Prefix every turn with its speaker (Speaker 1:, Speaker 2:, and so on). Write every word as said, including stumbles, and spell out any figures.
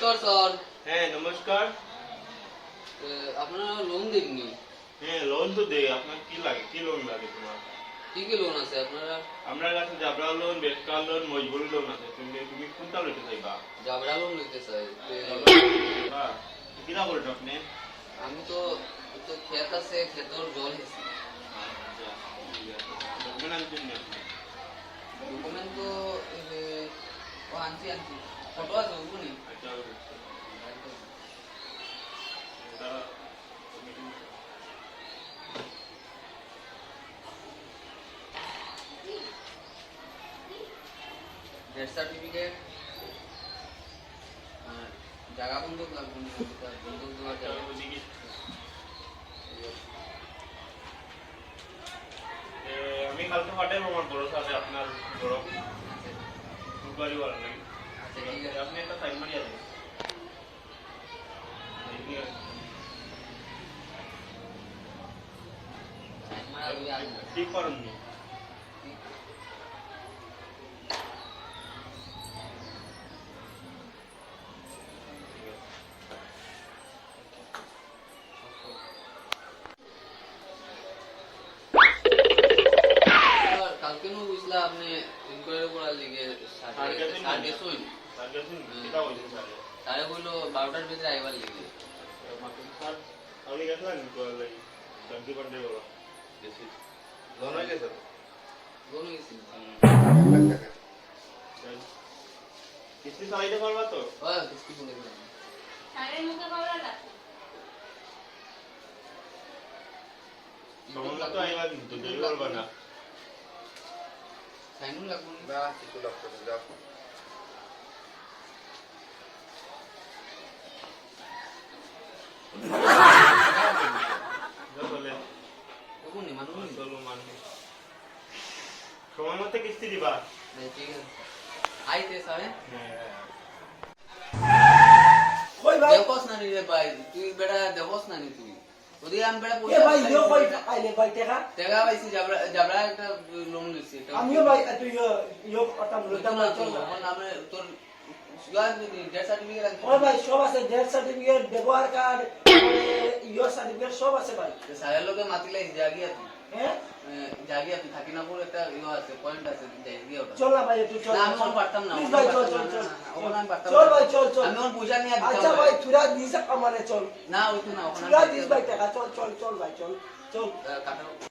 Speaker 1: নমস্কার স্যার।
Speaker 2: হ্যাঁ নমস্কার।
Speaker 1: আপনারা লোন দেননি?
Speaker 2: হ্যাঁ লোন তো দেই। আপনার কি লাগে, কি লোন লাগে তোমার?
Speaker 1: কি কি লোন আছে আপনারা?
Speaker 2: আপনার কাছে জাবরা লোন, বেকার লোন, মজবুরি লোন আছে। তুমি তুমি কোনটা লইতে চাইবা?
Speaker 1: জাবরা লোন নিতে চাই।
Speaker 2: হ্যাঁ কিনা বলেন আপনি?
Speaker 1: আমি তো তো ক্ষেত আছে, ক্ষেতর জল হেছি।
Speaker 2: ডকুমেন্ট আনছেন না আপনি?
Speaker 1: ডকুমেন্ট তো ও আনছি আনছি ফটো আছে ওগুনি।
Speaker 2: আচ্ছা
Speaker 1: ডেথ সার্টিফিকেট, জায়গা বন্ধক লাগবে, বন্ধক দেওয়া যাবে।
Speaker 2: আমি কালকে পাঠাবো আমার বড় সাথে আপনার বড় ফুটবলই বলা নাকি।
Speaker 1: আচ্ছা ঠিক আছে,
Speaker 2: আপনি একটা সাইন মারিয়া দেন। ঠিক করুন নি।
Speaker 1: কালকে নো বুঝলা আপনি ইনকোয়ারি করার লিগে সাড়ে সাড়ে শুন
Speaker 2: সাড়ে শুন কিটা বলছেন সাড়ে
Speaker 1: সাড়ে কইলো বারোটার ভিতরে আইবার লিগে।
Speaker 2: স্যার আপনি গেছিলেন কল লাগি সবজি পান্ডে বলো গেছি লোন হয়ে গেছে
Speaker 1: লোন গেছি
Speaker 2: কিস্তি চালাইতে পারবা তো?
Speaker 1: হ্যাঁ কিস্তি করে দিলাম।
Speaker 3: সাড়ে মুখে পাওয়া লাগবে
Speaker 2: সময় মতো আইবা কিন্তু দেরি করবা না।
Speaker 1: সাইনুল লাগবে
Speaker 4: না কিছু লাগবে না যাও
Speaker 2: বলে
Speaker 1: ওগুনি মানুষ
Speaker 2: চলো মানুষ সময় মতো কিস্তি দিবা।
Speaker 1: ঠিক আছে আইতে সাড়ে
Speaker 2: হ্যাঁ
Speaker 5: কই ভাই
Speaker 1: দেখোস না নি রে ভাই, তুই বেটা দেখোস না নি তুই ওদিকে আমি বেটা
Speaker 5: এ ভাই ইয়ো কই আইলে ভাই টাকা
Speaker 1: টাকা পাইছি জাবরা জাবরা একটা লোন দিছি।
Speaker 5: আমিও ভাই তুই ইয়ো ইয়ো কথা বলতাম না চল না
Speaker 1: আমার নামে তোর সুগার ডেথ সার্টিফিকেট আছে।
Speaker 5: ও ভাই সব আছে ডেথ সার্টিফিকেট ব্যবহার কার্ড ইয়ো সার্টিফিকেট সব আছে ভাই।
Speaker 1: সারের লোকে মাতিলে জাগিয়া তুই
Speaker 5: হ্যাঁ
Speaker 1: জাগিয়া তুই থাকি না পুরো একটা ইয়ে আছে পয়েন্ট আছে জাগিয়া ওটা।
Speaker 5: চল না ভাই একটু চল
Speaker 1: না আমি ওন পারতাম না,
Speaker 5: প্লিজ ভাই চল চল চল
Speaker 1: ওখানে আমি পারতাম
Speaker 5: চল
Speaker 1: না।
Speaker 5: ভাই চল চল
Speaker 1: আমি ওন পয়সা নিয়ে দিতাম।
Speaker 5: আচ্ছা ভাই তুরা দিস আমারে চল
Speaker 1: না ওই তো না ওখানে
Speaker 5: তুরা দিস ভাই টাকা চল চল চল ভাই চল চল
Speaker 1: কাটাও